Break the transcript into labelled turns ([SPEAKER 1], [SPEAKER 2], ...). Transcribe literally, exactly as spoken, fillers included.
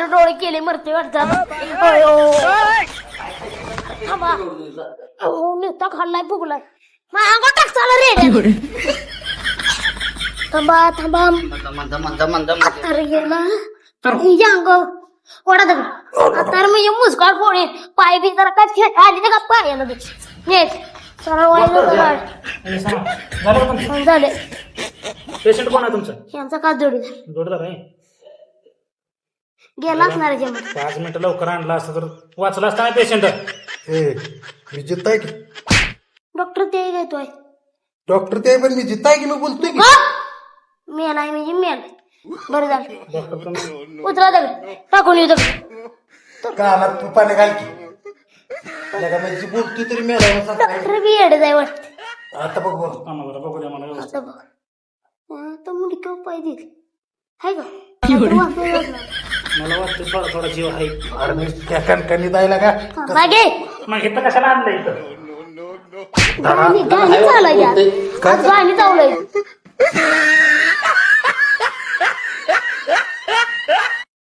[SPEAKER 1] पांढरे डोळे केले मरते वाटतात अयो थांबा अहो नुसता खाल्लाय फुगलाय माझ्या अंगावर टाक चाला रे थांबा थांबा
[SPEAKER 2] मंद मंद मंद मंद
[SPEAKER 1] अरे गेला या अंग ओढा दगड आता म्हणजे मुसकाळ फोडे पाय बी जरा काय खेळ आली ना का पायाला नेट सरळ व्हायला झाले
[SPEAKER 3] पेशंट कोण आहे तुमचं?
[SPEAKER 1] यांचा का जोडीदार
[SPEAKER 3] जोडदार आहे.
[SPEAKER 1] गेला असणार जेवण
[SPEAKER 3] पाच मिनिटं लवकर आणला असतं तर वाचला असता नाही पेशंट.
[SPEAKER 4] ए मी जित आहे की
[SPEAKER 1] डॉक्टर ते घेतोय
[SPEAKER 4] डॉक्टर ते पण मी जित आहे की मी बोलतोय की
[SPEAKER 1] मेल आहे म्हणजे मेल बरं झालं
[SPEAKER 3] डॉक्टर तुम्ही
[SPEAKER 1] उतरा दगड टाकून येऊ दगड
[SPEAKER 4] कानात तू पाणी घाल की लगा म्हणजे बोलतोय तरी मेला
[SPEAKER 1] डॉक्टर बी येडे जाय वाटत
[SPEAKER 4] आता बघ बघ
[SPEAKER 3] आम्हाला जरा बघू द्या मला व्यवस्थित.
[SPEAKER 1] आता बघ आता मुली का पाय देईल हाय का आता वाचलं वाचलं.
[SPEAKER 3] मला वाटतं थोडा थोडा जीव आहे.
[SPEAKER 4] अरे मी त्या कणकणी जायला का
[SPEAKER 1] हा, मागे
[SPEAKER 3] मग इथं कशाला आणलं इथं?
[SPEAKER 1] गाणी गाणी चालाय आज गाणी चाललंय